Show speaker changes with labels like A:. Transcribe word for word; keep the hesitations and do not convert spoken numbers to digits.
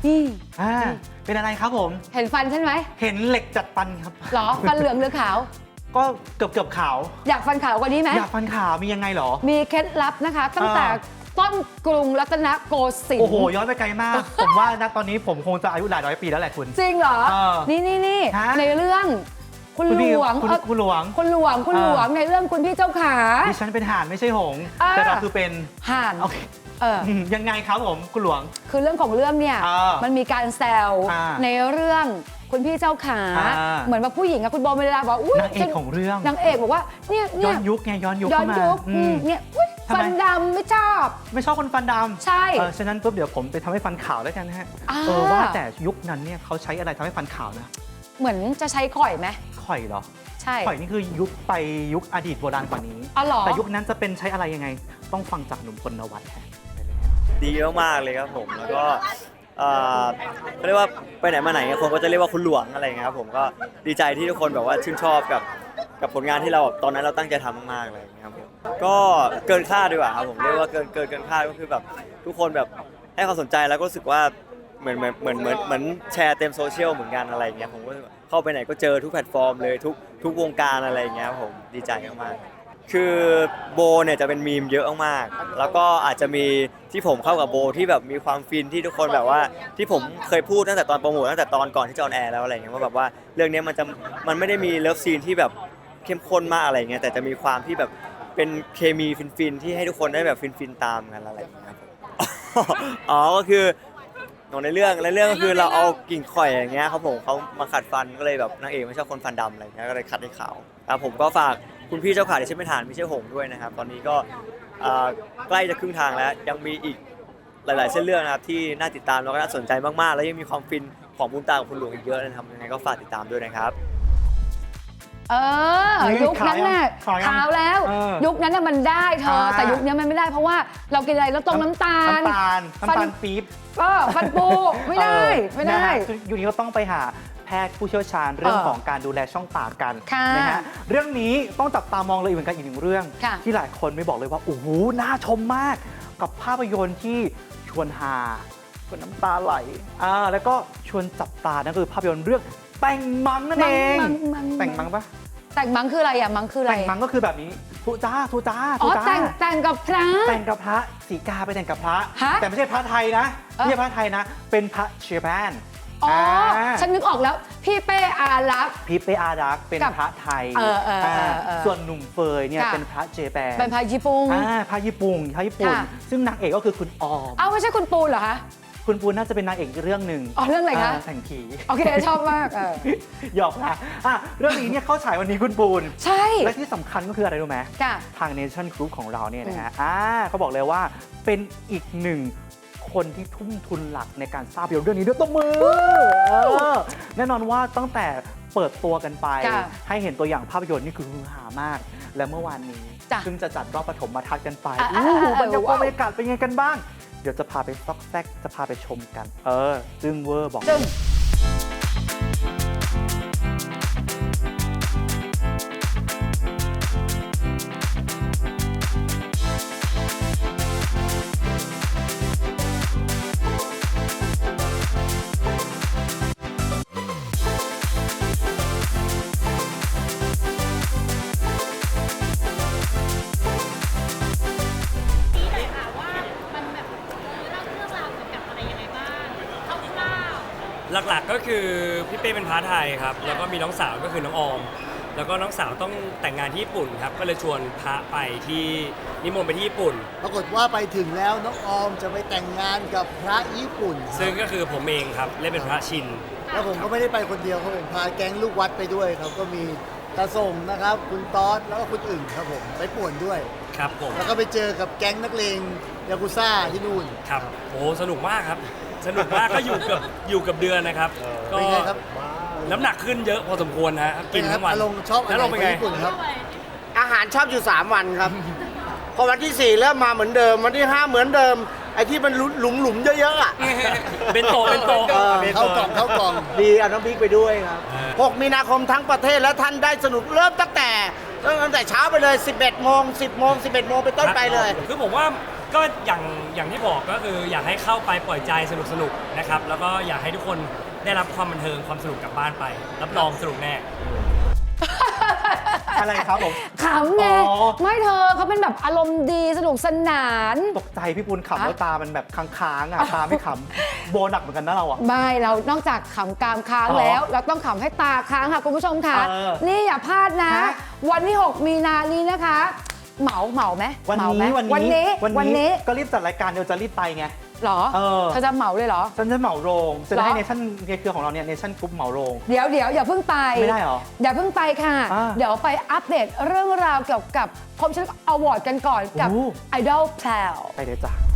A: นี่
B: อ่าเป็นอะไรครับผม
A: เห็นฟันใช่ไหม
B: เห็นเหล็กจัดฟันครับ
A: หรอฟันเหลืองหรือขาว
B: ก็เกือบเกือบขาว
A: อยากฟันขาวกว่านี้ไหม
B: อยากฟันขาวมียังไงเหรอ
A: มีเคล็ดลับนะคะ ตั้งแต่
B: อ่า
A: ต้นกรุงรัตนโกสินทร์
B: โอ้โหย้อนไปไกลมาก ผมว่าณตอนนี้ผมคงจะอายุหลายร้อยปีแล้วแหละคุณ
A: จริงเหรอ
B: เออ
A: นี่นี่นี่
B: ฮะ
A: ในเรื่องคุณ
B: คุณ
A: หล
B: พี่
A: วง
B: คุณ
A: เอ่อ
B: คุณหลวง
A: คุณหลวงคุณหลวง
B: อ่า
A: ในเรื่องคุณพี่เจ้าขา
B: ดิฉันเป็นห่านไม่ใช่หงส์
A: อ่า
B: แต่เราคือเป็น
A: ห่าน
B: โอเค
A: เออ
B: อืมยังไงครับผมคุณหลวง
A: คือเรื่องของเรื่องเนี่ย
B: อ่ามั
A: มันมีการแซว
B: อ่า
A: ในเรื่องคุณพี่เจ้าขา
B: อ่า
A: เหมือนว่าผู้หญิงอะคุณโบเมลดาบอกอุ้ย
B: นางเอกของเรื่อง
A: นางเอกบอกว่าเนี่ย
B: ย้
A: เนี่
B: อย นยุคไงย้อนยุค
A: ย้อ
B: เข้าน มา
A: ยุค
B: อื
A: อื
B: ม
A: มเนี่ยอุ๊ย
B: ทำไม
A: ฟันดำไม่ชอบ
B: ไม่ชอบคนฟันดำ
A: ใช่
B: เออฉะนั้นปุ๊บเดี๋ยวผมไปทำให้ฟันขาวแล้วกันนะฮะ
A: อ่า
B: เออว่าแต่ยุคนั้นเนี่ยเขาใช้อะไรทำให้ฟันขาวนะ
A: เหมือนจะใช้ข่อยไหม
B: ข่อยเหรอ
A: ใช่
B: ข่อยนี่คือยุคไปยุคอดีตโบราณกว่านี้
A: อ๋อเหรอ
B: แต่ยุคนั้นจะเป็นใช้อะไรยังไง ต้องฟังจากหนุ่มพลนวัตแทน
C: ดีมากๆเลยครับผมแล้วก็เอ่อเขาเรียกว่าไปไหนมาไหนคนก็จะเรียกว่าคุณหลวงอะไรอย่างเงี้ยครับผมก็ดีใจที่ทุกคนแบบว่าชื่นชอบกับกับผลงานที่เราตอนนั้นเราตั้งใจทำมากๆอะไรอย่างเงี้ยครับผมก็เกินคาดดีกว่าครับผมเรียกว่าเกินเกินเกินคาดก็คือแบบทุกคนแบบให้ความสนใจแล้วก็รู้สึกว่าเหมือนเหมือนเหมือนเหมือนเหมือนแชร์เต็มโซเชียลเหมือนกันอะไรอย่างเงี้ยผมก็เข้าไปไหนก็เจอทุกแพลตฟอร์มเลยทุกทุกวงการอะไรอย่างเงี้ยครับผมดีใจมากๆ คือโบเนี่ยจะเป็นมีมเยอะมากๆแล้วก็อาจจะมีที่ผมเข้ากับโบที่แบบมีความฟินที่ทุกคนแบบว่าที่ผมเคยพูดตั้งแต่ตอนโปรโมทตั้งแต่ตอนก่อนที่จะออนแอร์แล้วอะไรเงี้ยว่าแบบว่าเรื่องนี้มันจะมันไม่ได้มีเลิฟซีนที่แบบเข้มข้นมากอะไรเงี้ยแต่จะมีความที่แบบเป็นเคมีฟินๆที่ให้ทุกคนได้แบบฟินๆตามกันอะไรอย่างเงี้ยครับอ๋อก็คือในเรื่องในเรื่องก็คือเราเอากิ่งข่อยอย่างเงี้ยครับผมเขามาขัดฟันก็เลยแบบนางเอกไม่ชอบคนฟันดำอะไรเงี้ยก็เลยขัดให้ขาวแล้วผมก็ฝากคุณพี่เจ้าขาที่ชื่อไม่ทานไม่ใช่หงด้วยนะครับตอนนี้ก็ใกล้จะครึ่งทางแล้วยังมีอีกหลายๆเส้นเรื่องนะครับที่น่าติดตามแล้วก็น่าสนใจมากๆแล้วยังมีความฟินของบุญตากับคุณหลวงอีกเยอะนะครับยังไงก็ฝากติดตามด้วยนะครับ
A: เออ
B: เฮ้ย
A: ยุคนั้นน่ะ
B: ขาวยัง
A: ขาวแล้ว
B: เออ
A: ยุคนั้นน่ะมันได้เธอ
B: อ่า
A: แต่ยุคนี้มันไม่ได้เพราะว่าเรากินอะไรแล้วต้มน้ำตาล
B: น้ำตาลน้ำตาลปี๊บ
A: ก็ฟันปูไม่ได้
B: เออ
A: ไม่ได้
B: นะฮะคืออยู่นี้ก็ต้องไปหาแพทย์ผู้เชี่ยวชาญเรื่อง
A: เออ
B: ของการดูแลช่องปากกัน
A: ค่ะ
B: นะฮะเรื่องนี้ต้องจับตามองเลยอีกเหมือนกันอีกหนึ่งเรื่อง
A: ค่ะ
B: ที่หลายคนไม่บอกเลยว่าโอ้โหน่าชมมาก กับภาพยนตร์ที่ชวนฮาชวนน้ำตาไหลอ่าแล้วก็ชวนจับตานั่นคือภาพยนตร์เรื่องแต่งมังนั่นเอง
A: มังมัง
B: แต่งมังปะ
A: แต่งมังคืออะไรอ่ะมังคืออะไร
B: แต่งมังก็คือแบบนี้ทุจ้าทุจ้า
A: อ๋
B: ทุ
A: อ
B: จ้า
A: แต่งแต่งกับพระ
B: แต่งกับพระสีกาไปแต่งกับพระ
A: ฮะ
B: แต่ไม่ใช่พระไทยนะ
A: เอ้า
B: ไม่ใช่พระไทยนะ เป็นพระเชแปน
A: อ๋อ
B: อ่า
A: ฉันนึกออกแล้ว พี่เป้อารักษ์
B: พี่เปอารักษ์เป็น
A: กับ
B: พระไทย
A: เออเออเออเออ
B: ส่วนหนุ่มเฟยเนี่ย
A: ค่ะ
B: เป็นพระเจแปน
A: เป็นพระญี่ปุ่น
B: อ่าพระญี่ปุ่นพระญี่ปุ่น
A: ค่ะ
B: ซึ่งนางเอกก็คือคุณออม
A: เอ้าไม่ใช่คุณปูนเหรอคะ
B: คุณปูนน่าจะเป็นนางเอกอีกเรื่องหนึ่ง
A: อ๋อเรื่องอะไรคะ
B: าแต่งผี
A: โอเคชอบมากเออ
B: หยอกนะอ่ะเรื่องนี้เนี่ยเข้าฉายวันนี้คุณปูน
A: ใช่
B: และที่สำคัญก็คืออะไรรู้ไหม
A: ค่ะ
B: ทาง Nation Group ของเราเนี่ยนะฮะอ่าเขาบอกเลยว่าเป็นอีกหนึ่งคนที่ทุ่มทุนหลักในการสร้างภาพยนตร์เรื่องนี้ด้วยตบมือเออแน่นอนว่าตั้งแต่เปิดตัวกันไป
A: ค่ะ
B: ให้เห็นตัวอย่างภาพยนตร์นี่คือฮือฮามาก และเมื่อวานนี้
A: จ้ะ
B: ซึ่งจะจัดรอบปฐมทัศน์กันไป
A: อ่ะ
B: โอ้โห
A: อ่ะ
B: บรรยากาศ
A: ว้าว
B: บรรยากาศเป็นไงกันบ้าง เดี๋ยวจะพาไปซอกแซกจะพาไปชมกัน เออ ซึ่งเวอร์บอก
A: จึง
D: นี้หน่อยค่ะว่ามันแบบเล่าเรื่องราวเกี่ยวกับอะไรยังไงบ้างคร่าว
E: หลักๆก็คือพี่เป้เป็นพระไทยครับแล้วก็มีน้องสาวก็คือน้องออม แล้วก็น้องสาวต้องแต่งงานที่ญี่ปุ่นครับก็เลยชวนพระไปที่นิมนต์ไปที่ญี่ปุ่น
F: ปรากฏว่าไปถึงแล้วน้องออมจะไปแต่งงานกับพระญี่ปุ่น
E: ซึ่งก็คือผมเองครับเล่นเป็นพระชิน
F: แล้วผมก็ไม่ได้ไปคนเดียวครับผมพาแก๊งลูกวัดไปด้วยครับก็มีตาส่งนะครับคุณต๊อดแล้วก็คุณอึ่งครับผมไปป่วนด้วย
E: ครับผม
F: แล้วก็ไปเจอกับแก๊งนักเลงยากุซ่าที่นู่น
E: ครับโอ้สนุกมากครับ สนุกมากก็อยู่กับอยู่กับเดือนนะครับก็
F: เป็นไงครับ
E: น้ำหนักขึ้นเยอะพอสมควรนะกินทั้งวัน
F: อารมณ์ชอบอะไร
E: แล้วลงเป็น
F: ข
E: ไง
F: องญี่ปุ่นครับ
G: อาหารชอบอยู่ สาม วันครับ พอวันที่ สี่ เริ่มมาเหมือนเดิม วันที่ ห้า เหมือนเดิม ไอ้ที่มันหลุมหลุมๆเยอะๆอ่ะ
E: เป็นโตเป็นโต
G: เออ
F: เข้ากล่องเข้ากล่อง
G: ดีเอาน้ำพริกไปด้วยครับ หก มีนาคมทั้งประเทศและท่านได้สนุกเริ่มตั้งแต่เริ่มตั้งแต่เช้าไปเลย สิบเอ็ด โมง สิบ โมง สิบเอ็ด โมงเป็นต้นไปเลย
E: คือผมว่าก็อย่างอย่างที่บอกก็คืออยากให้เข้าไปปล่อยใจสนุกๆนะครับแล้วก็อยากให้ทุกคนได้รับความบันเทิงความสนุกกลับบ้านไปรับรองสนุกแน่
B: อะไรครับผม
A: ขำไง
B: อ๋อ
A: ไม่เธอเขาเป็นแบบอารมณ์ดีสนุกสนาน
B: ตกใจพี่ปุณขำ
A: ฮะ
B: แล้วตามันแบบค้างๆอ่ะตาไม่ขำโบหนักเหมือนกันนะเราอ่ะ
A: ไม่เรานอกจากขำกรามค้าง
B: อ๋อ
A: แล้ว เราต้องขำให้ตาค้างค่ะคุณผู้ชมค่ะ
B: เออ
A: นี่อย่าพลาดนะ
B: ฮะ
A: วันที่ หก มีนานี้นะคะ เหมาเหมาไหม
B: วัน
A: เหมาไหม
B: นี้
A: วันนี้วันนี้
B: ก็รีบจัดรายการเดี๋ยวจะรีบไปไง
A: เหรอ
B: เออ
A: เธอจะเหมาเลยเหรอ
B: ฉันจะเหมาโรงจะ
A: เหร
B: ได้
A: อ
B: เนชั่นในเครือของเราเนี่ยเนชั่นกรุ๊ปเหมาโรง
A: เดี๋ยวเดี๋ยวอย่าเพิ่งไป
B: ไม่ได้เหรอ
A: อย่าเพิ่งไปค่ะ
B: อ่า
A: เดี๋ยวไปอัปเดตเรื่องราวเกี่ยวกับคมชัดอวอร์ดกันก่อนกับ
B: โอ้
A: ไอดอลแพลว
B: ไปเลยจ้ะ